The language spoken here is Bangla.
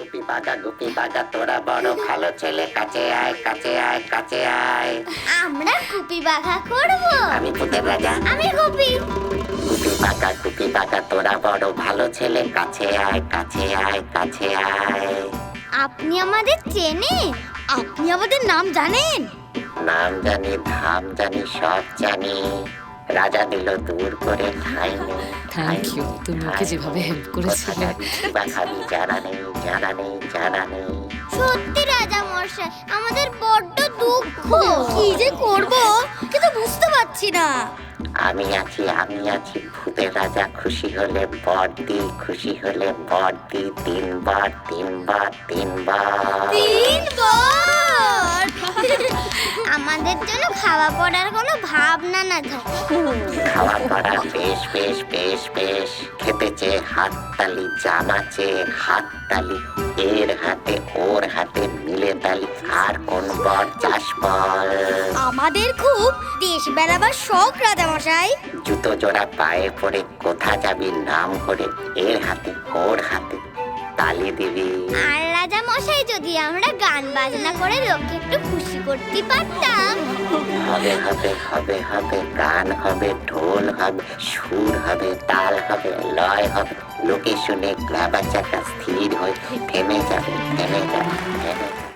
গুপি বাগা তোরা বড় ভালো ছেলে, কাছে আয় কাছে আয় কাছে আয়। আমরা গুপি বাঘা করব। আমি ভূতের রাজা। আমি গুপি। গুপি বাগা তোরা বড় ভালো ছেলে, কাছে আয় কাছে আয় কাছে আয়। আপনি আমাদের চেনেন? আপনি আমাদের নাম জানেন? নাম জানি, ধাম জানি, সব জানি। রাজা দিল দূর করে ঠাই নেই। থ্যাংক ইউ, তুমি ওকে যেভাবে হেল্প করেছিলে। খাবি জানা নেই জানা নেই জানা নেই। সত্যি রাজা মশাই, আমাদের বড্ড দুঃখ। কি যে করব কিন্তু বুঝতে পারছি না। আমি আছি ভূতের রাজা। খুশি হলে বর দি, খুশি হলে বর দি। তিনবার তিনবার তিনবার। তিনবার। আমাদের জন্য খাওয়া পড়ার কোনো ভাবনা না থাকে। খাওয়া পড়া বেশ বেশ বেশ বেশ। খেতে চেয়ে হাততালি, জামা চেয়ে হাততালি। এর হাতে ওর হাতে মিলে তালি। আর কোন বর চাষ বল। আমাদের খুব দেশ বেড়াবার শখ রাজা মশাই। জুতো জোড়া পায়ে পড়ে কোথা যাবি নাম করে। এর হাতে ওর হাতে তালি দিবি। আর রাজা মশাই, যদি আমরা গান বাজনা করে লোককে একটু খুশি করতে পারতাম। হবে হবে হবে হবে, গান হবে, ঢোল হবে, সুর হবে, তাল হবে, লয় হবে। লোকে শুনে গ্রাবাচাকা স্থির হয়ে থেমে যাবে থেমে যাবে থেমে যাবে।